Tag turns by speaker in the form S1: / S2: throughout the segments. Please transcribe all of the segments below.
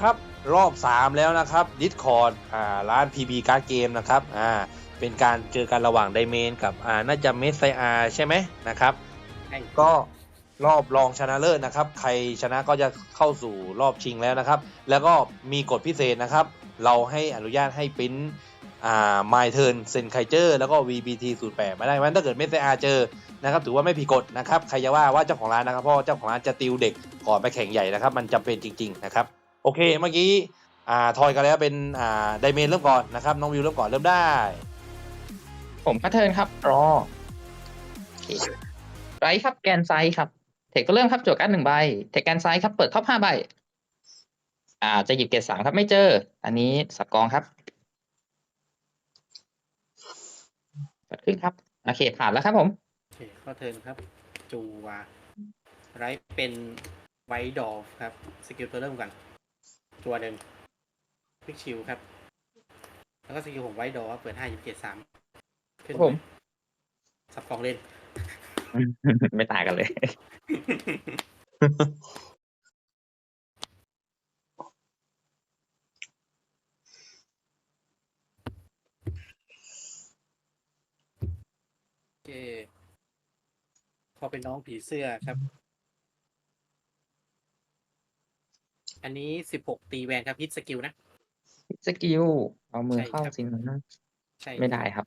S1: นะครับรอบ3แล้วนะครับ Discord ร้าน PB Card Game นะครับเป็นการเจอกันระหว่างไดเมนกับน่าจะเมสไซอาใช่ไหมนะครับก็รอบรองชนะเลิศนะครับใครชนะก็จะเข้าสู่รอบชิงแล้วนะครับแล้วก็มีกฎพิเศษนะครับเราให้อนุญาตให้ปริ้นMy Turn เซนไคเจอร์แล้วก็ VBT 08มาได้เพราะถ้าเกิดเมสไซอาเจอนะครับถือว่าไม่ผิดกฎนะครับใครจะว่าเจ้าของร้านนะครับเพราะเจ้าของร้านจะติวเด็กก่อนไปแข่งใหญ่นะครับมันจำเป็นจริงๆนะครับโอเคเมื่อกี้ทอยกันแล้วเป็นไดเมนเริ่มก่อนนะครับน้องวิวเริ่มก่อนเริ่มได้
S2: ผมพัฒเทิร์นครับรอไรครับแกนไซส์ครับเทคก็เริ่มครับโจทย์การ์ด1 ใบเทคแกนไซส์ครับเปิดท็อป5 ใบจะหยิบเกรด3ครับไม่เจออันนี้สับกองครับเกิดขึ้นครับโอเคผ่านแล้วครับผม
S3: โอเคเข้าเทิร์นครับจูวาไรเป็นไวท์ดอฟครับสกิลตัวเริ่มก่อนตัวหนึ่งพลิกชิลครับแล้วก็สกิลของไวท์ดอฟเปิด5 27 3ขึ้น
S2: ผม
S3: สับกองเล่น
S2: ไม่ต่างกันเลย
S3: โอเคพอเป็นน้องผีเสื้อครับอันนี้16ตีแวนครับฮิตสกิลนะ
S2: สกิลเอามือเข้า
S3: ใช่ครับ
S2: สินะ
S3: ใช่
S2: ไม่ได้ครับ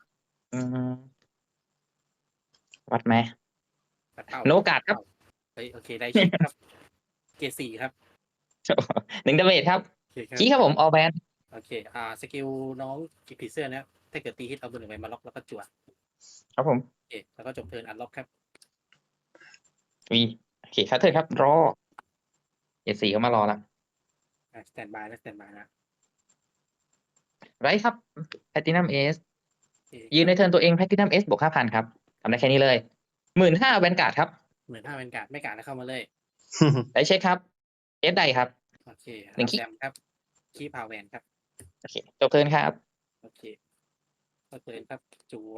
S2: วัดไหม
S3: ปัดเป้า
S2: โนกาดครับ
S3: เฮ้ยโอเคได้เช็คครับเกรด4ครับ
S2: 1 ดาเมจครับ
S3: โอเคครับ
S2: ชี้ครับผมออแบน
S3: โอเคสกิลน้องผีเสื้อเนี่ยถ้าเกิดตีฮิตเอาตัวหนึ่งไปมาล็อกแล้วก็จั่ว
S2: ครับผม
S3: โอเคแล้วก็จบเทิร์นอันล็อกครับ
S2: วีโอเคครับเทิร์นครับรอเกรด4ก็มารอละ
S3: สแตนบายนะสแตนบายนะ
S2: ไรครับแพลตินัมเอส
S3: โอเค
S2: ยืนในเทิร์นตัวเองแพลตินัมเอสบวก 5,000 ครับทำได้แค่นี้เลย 15,000 แวนการ์ดครับ
S3: 15,000เป็นการ์ดไม่การ์ดแล้วเข้ามาเลย
S2: ได้เช็คครับเอสไดครับ
S3: โอเค
S2: หนึ่ง
S3: แซมครับคีพาวแวนครับ
S2: โอเคจบเทิร์นครับ
S3: โอเคก็เทิร์นครับจัว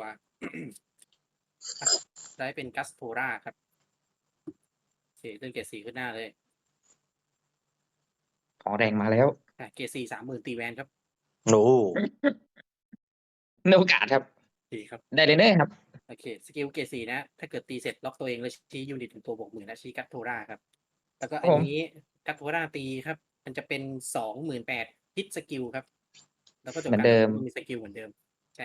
S3: ได้เป็นกัสโทราครับโอเคเทิร์นเกรด4ขึ้นหน้าเลย
S2: ของแรงมาแล้ว
S3: เกรด4 30,000ตีแวนครับ
S1: โอ้
S2: โนกาดครับ
S3: ดีครับ
S2: ไดเรเนอร์ครับ
S3: โอเคสกิลเกรด4นะถ้าเกิดตีเสร็จล็อกตัวเองแล้วชี้ยูนิตถึงตัวบวก 10,000นะชี้กัสโทราครับแล้วก็อันนี้กัสโทราตีครับมันจะเป็น 28,000ฮิตสกิลครับแล้วก็จบ
S2: เหมือน
S3: การ
S2: เดิม
S3: มีสกิลเหมือนเดิมใช่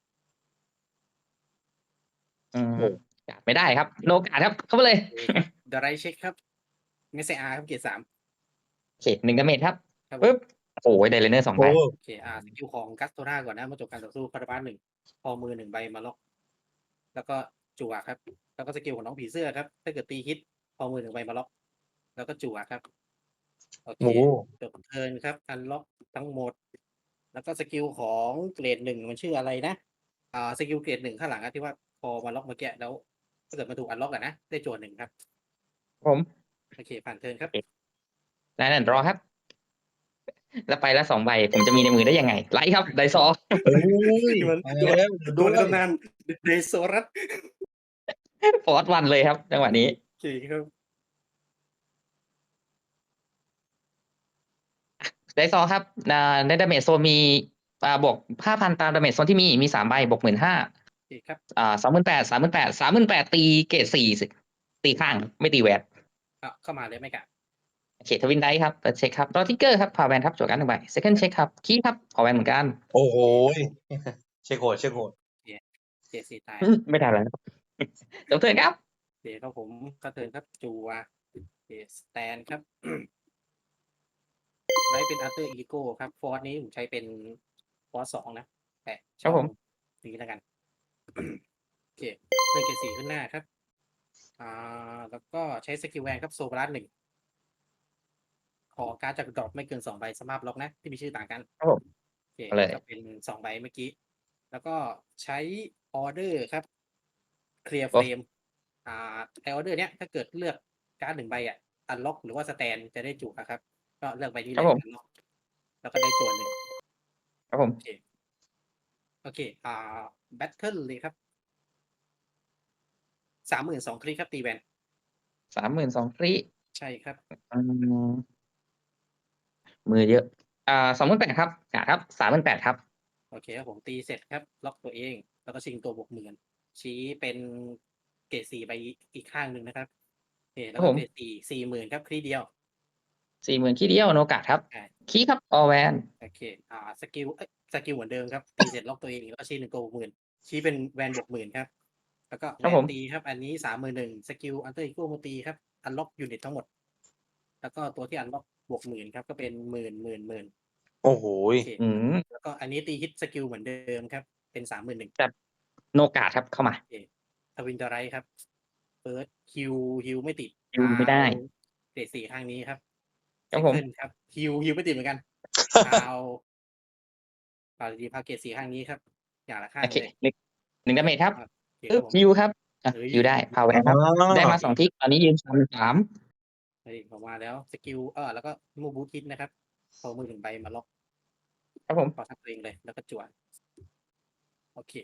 S2: กาดไม่ได้ครับ โนกาดครับ เข้ามาเลย
S3: โอเคครับเดรายเช็คครับไม่ใช่ครับเกรด3
S2: โอเค1 ดาเมจครับ
S3: ครับ
S2: ปึ๊บโอ้ยไดเรเนอร์2 ใบ
S3: โอเคสกิลของกัสโตราก่อนนะเมื่อจบการต่อสู้คาราบาล1พอมือ1 ใบมาล็อกแล้วก็จั่วครับแล้วก็สกิลของน้องผีเสื้อครับถ้าเกิดตีฮิตพอมือ1 ใบมาล็อกแล้วก็จั่วครับโอเคจบเทิร์นครับอันล็อกทั้งหมด แล้วก็สกิลของเกรด1มันชื่ออะไรนะสกิลเกรด1ข้างหลังอะที่ว่าพอมาล็อกเมื่อกี้แล้วถ้าเกิดมาถูกอันล็อกอะนะได้จั่ว1ครับ
S2: ผม
S3: โอเคผ่านเทิร์นครับ
S2: ได้นั่นรอครับ แล้วไปละ2 ใบ ผมจะมีในมือได้ยังไง ไลท์ครับไดซอ
S1: โอ้ย
S3: มัน
S1: มาแล้ว
S3: โดนในตำนานเดโซรัส
S2: ฟอร์สวันเลยครับ จังหวะนี้
S3: โอเคครับ
S2: ไดซอครับในดาเมจโซนมีบวก 5,000 ตามดาเมจโซนที่มี3 ใบบวก 15,000
S3: โอเคครับ
S2: 28,000 38,000 38,000 ตีเกรด4ตีข้างไม่ตีแวน
S3: เข้ามาเลยไม่กะ
S2: โอเคทวินไดครับเปิดเช็คครับรอทิกเกอร์ครับพาแวนครับจวดกัน1 ใบ second เช็คครับคีย์ครับขอแวนเหมือนกัน
S1: โอ้โหเช็คโหดเช็คโหด
S3: เจสี่ตาย
S2: ไม่ได้แล้วจบเทิร์นครับ
S3: เดี๋ยวครับผมก็เทิร์นครับจัวสแตนครับ ไลท์เป็นอัลเตอร์อีโก้ครับฟอร์สนี้ผมใช้เป็นฟอร์ส2นะแต่ชอบนี้แล้วกัน โอเคเลือกเกรด4ขึ้นหน้าครับแล้วก็ใช้สกิลแวนครับโซบลัส1ขอการ์ดจากดรอปไม่เกิน2 ใบสภาพล็อกนะที่มีชื่อต่างกัน
S2: ครับผม
S3: โอเค
S2: เอาเลย
S3: ก็เป็น2 ใบเมื่อกี้ แล้วก็ใช้ออเดอร์ครับเคลียร์เฟรมไอออเดอร์เนี้ยถ้าเกิดเลือกการ์ด1 ใบอันล็อกหรือว่าสแตนจะได้จุครับ ก็เลือกใบนี้เลยอันล็อกแล้วก็ได้จวน1
S2: ครับผม
S3: โอเคแบทเทิลเลยครับ32,000คลิกครับตีแวน
S2: 32,000 ฟรี
S3: ใช่ครับ
S2: อืมมือเยอะ28,000ครับกาดครับ38,000ครับ
S3: โอเคครับผมตีเสร็จครับ ล็อกตัวเอง แล้วก็ชิงตัวบวกหมื่นชี้เป็นเกรด4ไปอีกข้างหนึ่งนะครับโอเคแล้วก็เกรด40,000ครับคลีเดียว
S2: 40,000ขี้เดียวโนกาดครับ
S3: ใช่
S2: คีครับออแวน
S3: โอเคสกิลเหมือนเดิมครับ ตีเสร็จล็อกตัวเองแล้วก็ชี้1ตัวบวกหมื่นชี้เป็นแวนบวกหมื่นครับ แล้วก็
S2: ครับ
S3: แว
S2: ผ
S3: น
S2: ม
S3: ตีครับ อันนี้31,000สกิลอันเตอร์อีโก้มาตีครับ อันล็อกยูนิตทั้งหมด แล้วก็ตัวที่อันล็อกบวกหมื่นครับ ก็เป็นหมื่น
S1: โอ้โห
S3: โอเค
S2: อืม
S3: แล้วก็อันนี้ตีฮิตสกิลเหมือนเดิมครับ เป็น31,000
S2: โนกาดครับเข้ามา
S3: โอเคทวินเตอร์ไรท์ครับเฟิร์สฮิวไม่ติด
S2: ฮิวไม่ได้
S3: เกรด4ข้างนี้ครับ
S2: ครับผม
S3: เซนครับฮิวไม่ติดเหมือนกันพาวดีพาเกรด4ข้างนี้ครับ อย่างละข้า
S2: โอง เค
S3: เลย
S2: 1ดาเมจครับ
S3: โอเคค
S2: ปึ๊
S3: รั
S2: บบ
S3: ผม
S2: ฮิวครับฮิวได้พาวแวนครับ ได้มา2ทิกตอนนี้ยืน3
S3: เฮ้ยผมมาแล้วสกิลแล้วก็มูบูทิสนะครับพอมือถึงใบมาล็อก
S2: ครับผม
S3: พอทักตัวเองเลย แล้วก็จวดโอเค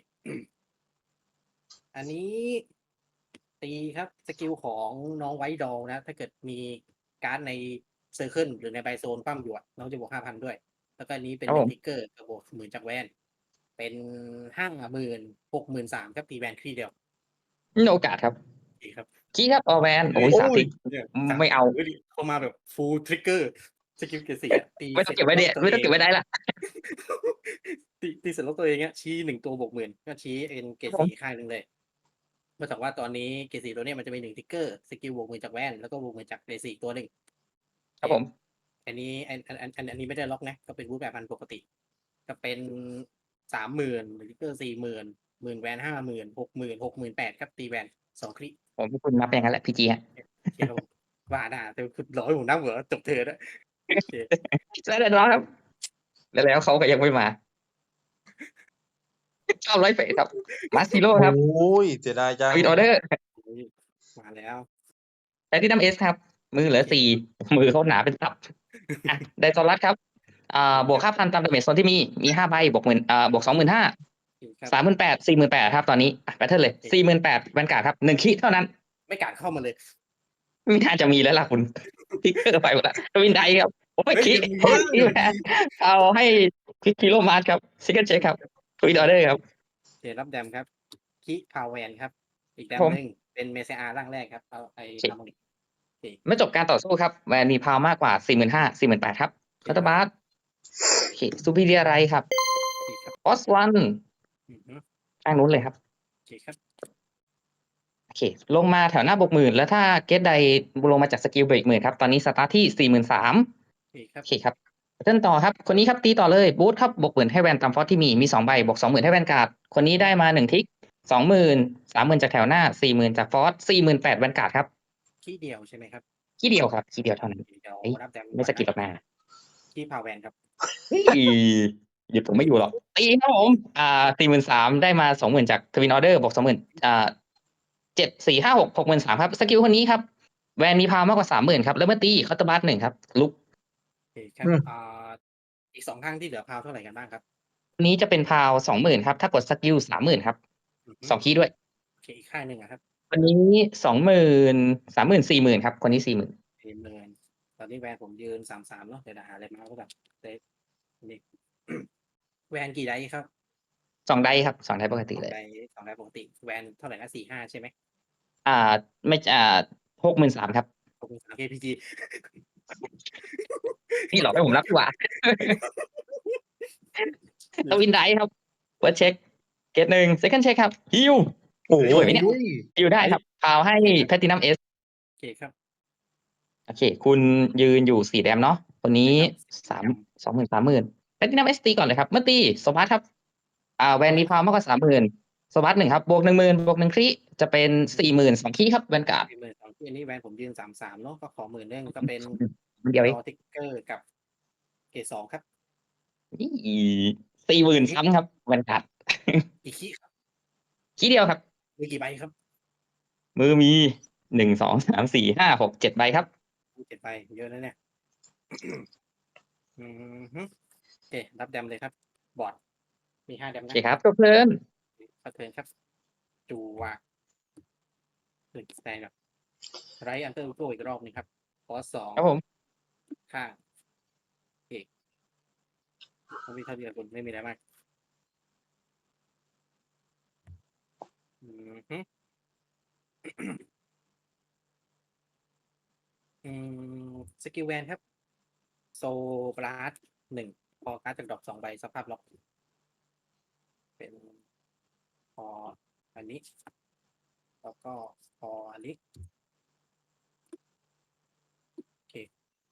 S3: อันนี้ตีครับสกิลของน้องไวท์ดอลนะ ถ้าเกิดมีการ์ดในเซอร์เคิลหรือในไบโซนคว่ำอยู่อะน้องจะบวก5,000ด้วย แล้วก็อันนี้เป็น
S2: ครับผม
S3: ทิกเกอร์กับบวก10,000จากแวน เป็น50,000 63,000ครับตีแวนครีเดียว
S2: โนกาดครับ
S3: ดีครับ
S2: คีครับออแวนโอ้ย3ทิก
S3: เนี่ย
S2: ไม่เอา
S3: เข้ามาแบบฟูลทริกเกอร์สกิลเกรด4อะตี
S2: ไม่ต้องเก็บไว้เด็ดไม่ต้องเก็บไว้ได้ละ
S3: ตีเสร็จแล้วตัวเองอะชี้1ตัวบวกหมื่นก็ชี้เป็นเกรด
S2: ครับผม
S3: 4ข้างหนึ่งเลยเมื่อจากว่าตอนนี้เกรด4ตัวเนี้ยมันจะมี1ทิกเกอร์สกิลบวกหมื่นจากแวนแล้วก็บวกหมื่นจากเกรด4ตัวหนึ่ง
S2: ครับผม
S3: อันนี้ไม่ได้ล็อกนะก็เป็นรูปแบบพันปกติ ก็เป็น30,000ทิกเกอร์40,00010,000แวน50,000 60,000 68,000ครับตีแวน2คลิ
S2: ผมให้คุณนับอย่างนั้นแหละพีจีฮะ
S3: เขียนว่าด่าแต่คุณร้อยผมนั่งเหรอจบเธอแล้วโอเค
S2: แล้วเดี๋ยวรอครับ แล้วเขาก็ยังไม่มาชอบไลฟ์เฟสครับมาซิโร่ครับ
S1: โอ้ยเสียดายจัง
S2: วิดออเดอร์
S3: มาแล้ว
S2: แพทินัมเอสครับ มือเหลือ4มือเขาหนาเป็นตับอ่ะไดซอรัสครับบวก 5,000 ตามดาเมจโซนที่มี5 ใบบวกบวก 25,000
S3: ครับ
S2: 38,000 48,000ครับตอนนี้แพทเทิร์นเลย 48,000แวนการ์ดครับ1คีเท่านั้น
S3: ไม่การเข้ามาเลย
S2: ไม่น่าจะมีแล้วล่ะคุณทิกเกอร์ไปหมดละทวินไดครับโอ้ยคี
S3: เฮ้ย
S2: ที่แวนเอาให้พิกกิโลมาร์ครับซิกเกิลเช็คครับวิดออเดอร์ครับ
S3: เดี๋ยวรับแดมครับคิพาวเวนครับ อีกแดม
S2: ผม
S3: หนึ่งเป็นเมเซอาร่างแรกครับเอาไอ้
S2: โอเค
S3: ทำมัน
S2: เมื่อจบการต่อสู้ครับแวนมีพาวมากกว่า 45,000 48,000ครับคาตาบาสโอเคซูพิเรียไรครับ
S3: ครับ
S2: ออสวัน
S3: อือฮึ
S2: ข้างนู้นเลยครับ
S3: โอเคครับ
S2: โอเค ลงมาแถวหน้าบวกหมื่นแล้วถ้าเกตใดลงมาจากสกิลเบรกหมื่นครับ ตอนนี้สตาร์ทที่ 43,000
S3: โอเคครับ
S2: โอเคครับเทิร์นต่อครับ คนนี้ครับตีต่อเลยบูทครับบวกหมื่นให้แวนตามฟอสที่มี2ใบบวก 20,000 ให้แวนการ์ดคนนี้ได้มา1ทิก 20,000 30,000 จากแถวหน้า 40,000 จากฟอส 48,000 แวนการ์ดครับ
S3: ขี้เดียวใช่ไหมครับ
S2: ขี้เดียวครับขี้เดียวเท่านั้น
S3: เดี๋ยว
S2: เอ้ย
S3: รับแดม
S2: ไม่สกิลออกมา
S3: ขี้พาวเวนครับ
S2: เฮ้ยหยุดผมไม่อยู่หรอกตีครับผม43,000ได้มา 20,000 จากทวินออเดอร์บวก 20,0007 4 5 6 63,000ครับสกิลคนนี้ครับแวนมีพาวมากกว่า 30,000ครับแล้วเมื่อตีคาตาบัส1ครับลุก
S3: โอเคครับอีก2ข้างที่เหลือพาวเท่าไหร่กันบ้างครับ
S2: คนนี้จะเป็นพาว 20,000ครับถ้ากดสกิล 30,000ครับ
S3: อือฮึ
S2: 2 คีย์ด้วย
S3: โอเคอีกข้างหนึ่งอะครับ
S2: คนนี้ 20,000 30,000 40,000ครับคนนี้ 40,000
S3: 40,000ตอนนี้แวนผมยืน33เนาะเดี๋ยวหาอะไรมาก็แบบเซ็ตนี่ แวนกี่ไดส์ครับ
S2: 2 ได้ครับ2 ได้ปกติ
S3: สอง
S2: เลย
S3: ไดสองไดปกติแวนเท่าไหร่นะ45ใช่ไหม
S2: ไม่63,000ครับ
S3: 63 KPG
S2: พี่หลอกให้ผมรับดีกว่า ทวินได้ครับเปิดเช็คเกต1 second เช็คครับฮิว
S1: โอ้โห
S2: สวยไหมเนี่ย ฮิวได้ครับพาวให้แพทินัมเอส
S3: โอเคครับ
S2: โอเค คุณยืนอยู่4 แดมเนาะคนนี้
S3: ครับ
S2: 20,000 30,000แพทินัมเอสตีก่อนเลยครับเมื่อตีโซบัสครับแวนมีพาวมากกว่า 30,000โซบัส1ครับบวก 10,000บวก1ครีจะเป็น 40,000 2คีย์ครับแวนการ์ด
S3: 12,000ที่อันนี้แวนผมยืน33เนาะก็ขอ10,000เรื่องก็เป็น
S2: เดียวเอ
S3: รง อทิกเกอร์กับเกรด2ครับ
S2: 40,000ซ้ำครับแวนการ์ด
S3: กี่ขี้ครับ
S2: คีย์เดียวครับ
S3: มือกี่ใบครับ
S2: มือมี1 2 3 4 5 6 7 ใบครับ
S3: 7 ใบเยอะนะเนี่ย อืมฮึโอเครับแดมเลยครับ บอร์ดมี5แดม
S2: โอ
S3: นะ
S2: เคครับจบเพลิน
S3: ขอเทิร์นครับ จูวะหนึ่งสแตนแบบไรอันเตอร์โกอีกรอบหนึงครับคอส2
S2: ครับผม
S3: ข้างโอเคต้องมีเท่าเดียวคุณไม่มีอะไรมากอืมฮึอืสกิลแวนครับโซบลัส1พอการ์ดจากดอก2 ใบสภาพล็อกเป็นพออันนี้แล้วก็พออันนี้โอเค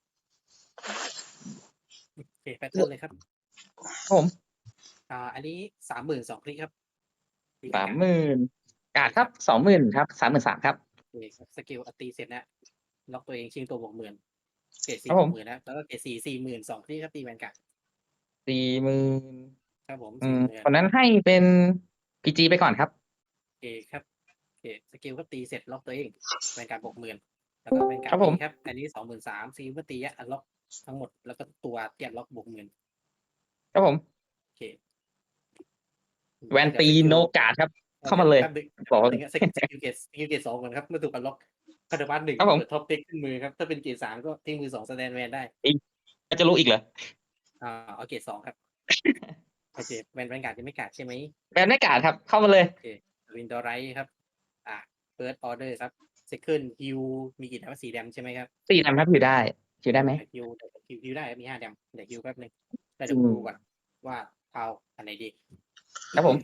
S3: แพทเทิร์นเลยครับ
S2: ครับผม
S3: อันนี้32,000คลิกครับตีกัน
S2: 30,000กาดครับ
S3: ครับ
S2: 20,000ครับ33,000ครับ
S3: โอเคครับสกิลตีเสร็จนะล็อกตัวเองชิงตัว60,000เกรด
S2: ครับ
S3: 4
S2: ผ
S3: บว
S2: ม
S3: ก 10,000นะแล้วก็เกรด4 40,000 2คลิกครับตีแวนการ์ด
S2: 40,000
S3: ครับผม
S2: คน
S3: 40,000
S2: นั้นให้เป็นพีจีไปก่อนครับ
S3: โอเคครับโอเคสกิลก็ตีเสร็จล็อกตัวเองแวนการ์ด60,000แล้วก็แวนการ์
S2: ครั
S3: ด
S2: บผ
S3: ตี
S2: ม
S3: ครับอันนี้23,000สกิลก็ตีอันล็อกทั้งหมดแล้วก็ตัวเตียนล็อก60,000
S2: ครับผม
S3: โอเค
S2: แวนตี
S3: สกิล
S2: โนกาดครับ เข้ามาเลย
S3: แป๊บนึง
S2: บอก
S3: แป๊บนึงอะสกิลเกรด2ก่อนครับเมื่อถูกอันล็อกคาร์ดบัส1
S2: ครับผม
S3: เปิดท็อปเด็กขึ้นมือครับถ้าเป็นเกรด3ก็ทิ้งมือ2แสดงแวนได้
S2: จะรู้อีกเหรอ
S3: เอาเกรด2ครับโอเคแวนการ์ดยังไม่การ์ดใช่ไหม
S2: แวนไม่กาดครับ เข้ามาเลย
S3: โอเควินดอร์ไรครับ เฟิร์สออเดอร์ครับเซคันด์ฮิวมีกี่แดมสีแดมใช่ไหมครับ
S2: 4ดำครับอยู่ได้อยู่ได้ไหม
S3: ฮิวฮิวได้มี5 แดมเดี๋ยวฮิวแป๊บนึงแล้ว
S2: อื
S3: เดี๋ยว
S2: ม
S3: ดูก่อนว่าเท้าอันไหนดี
S2: ครับผม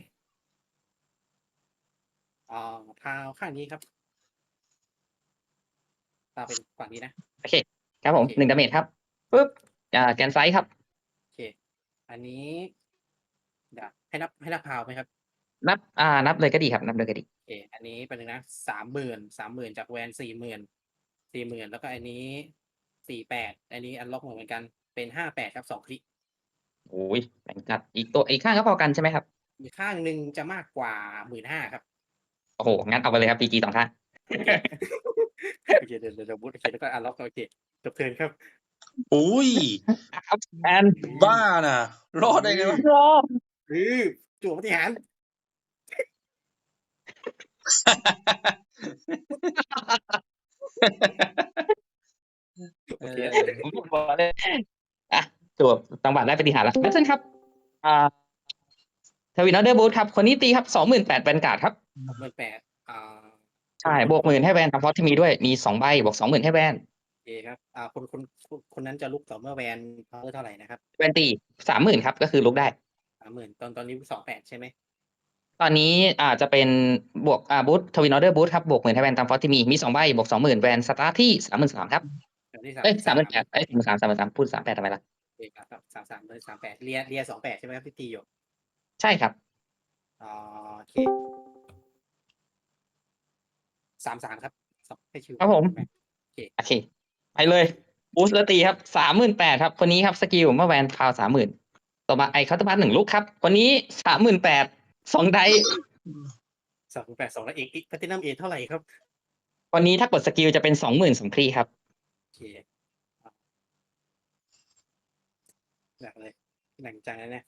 S3: เท้าข้างนี้ครับเท้าเป็นฝั่งนี้นะ
S2: โอเค ครับผม
S3: โอเค
S2: 1 ดาเมจครับปุ๊บแกนไซส์ครับ
S3: โอเคอันนี้เดี๋ยวให้นับเท้าไหมครับ
S2: นับเลยก็ดีครับ นับเลยก็ดี
S3: โอเคอันนี้เป็นงนะ30,000จากแวน40,000แล้วก็อันนี้48อันนี้อันล็อกเหมือนกันเป็น58ครับ2 คลิก
S2: โอ้ยแบ่งจัดอีกข้างก็พอกันใช่ไหมครับ
S3: อีกข้างหนึ่งจะมากกว่า15,000ครับ
S2: โอ้โห งั้นเอาไปเลยครับ PG 2 ข้าง
S3: โอเค โอเคเดี๋ยวบูทโอเคแล้วก็อันล็อกโอเคจบเทิร์นครับ
S1: อุ้ย
S2: ครับแอน
S1: บ้าน่ะ รอดได้ไงวะ
S2: รอ
S3: จั่วปฏิหาร โอเค
S2: ผมบอกเลยจวบตังหวะได้ปฏิหารย์แล้วเช่นครับทวินออเดอร์บูธครับ คนนี้ตีครับ 28,000แวนการ์ดครับ
S3: 68,000
S2: ใช่ บวก 10,000ให้แวนทำฟอสที่มีด้วย มี2 ใบ บวก 20,000ให้แวน
S3: โอเคครับคนนั้นจะลุกต่อเมื่อแวนพาวเวอร์เท่าไหร่นะครับ
S2: แวนตี 30,000ครับ ก็คือลุกได้
S3: 30,000ตอนนี้28ใช่ไหม
S2: ตอนนี้จะเป็นบวกบูธทวินออเดอร์บูธครับ บวก 10,000ให้แวนตามฟอสที่มี2 ใบ บวก 20,000แวนสตาร์ทที่ 33,000ครับ
S3: ตอนนี้
S2: 38,00033,000พูด38ทำไมล่ะ
S3: โอเคครับ33เลย38เรีย28ใช่ไหมครับที่ตีอยู่
S2: ใช่ครับ
S3: โอเค33ครับให้ชิว
S2: ครับผม โอเค ไปเลยบูสแล้วตีครับ 38,000ครับ คนนี้ครับสกิลเมื่อแวนพาว 30,000ต่อมาไอคัตเตอร์บัส1 ลูกครับ คนนี้ 38,000 2 ได
S3: 38 2แล้วเอกแพลตินัมเท่าไหร่ครับ
S2: วันนี้ถ้ากดสกิลจะเป็น 20,000 2 ครีครับ
S3: โอเคหนักเลยหนักจังนะเนี่ย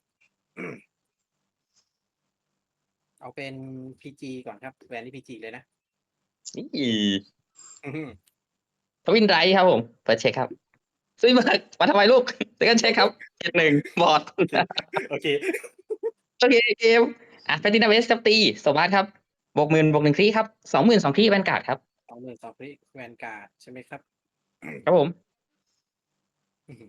S3: เอาเป็น PG ก่อนครับแวนนี่ PG เลยนะ
S2: นี่
S3: อื้อหือ
S2: ทวินไรครับผมเปิดเช็คครับซื้อมาทำไมลูกเซ็กันเช็คครับ71บอด
S3: โอเค
S2: โอเคเกมแพลตินัมเวสตีสวัสดครับบวก 10,000บวก1 ครีครับ 20,000 2 ครีแวนการ์ดครับ
S3: 22,000พี่แวนการ์ดใช่ไหมครับ
S2: ครับผม
S3: อื้อหือ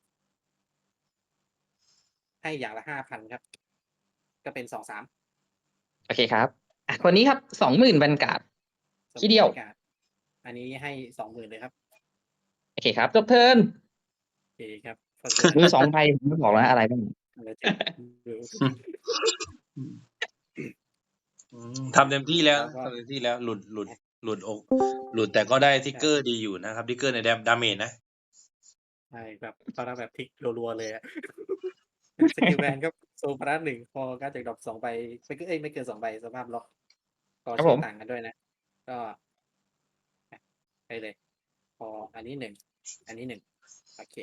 S3: ให้อย่างละ 5,000 ครับ ก็เป็น23,000
S2: โอเคครับคนนี้ครับ 20,000แวนการ์ด ทีเดียว
S3: แวนการ์ดอันนี้ให้ 20,000เลยครับ
S2: โอเคครับจบเทิร์น
S3: โอเคครับ
S2: มือ2 ใบผมไม่บอกแล้วอะไรบ้าง
S1: ทำเต็มที่แล้วทำเต็มที่แล้ว หลุดแต่ก็ได้ทิกเกอร์ดีอยู่นะครับทิกเกอร์ในดาเมจนะ
S3: ใช่แบบตอนนั้นแบบพลิกรัวๆเลยอะ สกิลแวนครับโซพาร์ท1พอการจากดรอป2 ใบไม่เกิน2 ใบสภาพล็อกก็
S2: ครับ
S3: ใช้
S2: ผม
S3: ต่างกันด้วยนะ ก็ไปเลย พออันนี้1อันนี้1โอเค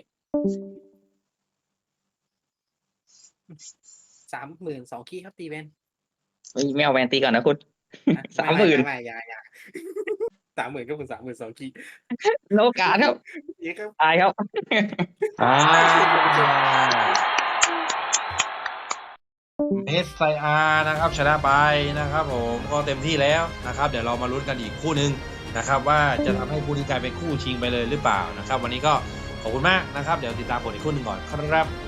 S3: 30,000 2 คีย์ครับตีแวน
S2: ไม่เอาแวนตีก่อนนะคุณ
S3: นะ
S2: 30,000
S3: ไม่อย่า 30,000ก็เป็น30,000 2 คีย์
S2: โนกาสครับ
S3: นี่ครับ
S2: ตายครับ
S1: อ่าเอสไซอาร์นะครับชนะไปนะครับผมก็เต็มที่แล้วนะครับ เดี๋ยวเรามาลุ้นกันอีกคู่หนึ่งนะครับว่าจะทำให้คู่นี้กลายเป็นคู่ชิงไปเลยหรือเปล่านะครับ วันนี้ก็ขอบคุณมากนะครับ เดี๋ยวติดตามผลอีกคู่หนึ่งก่อนครับ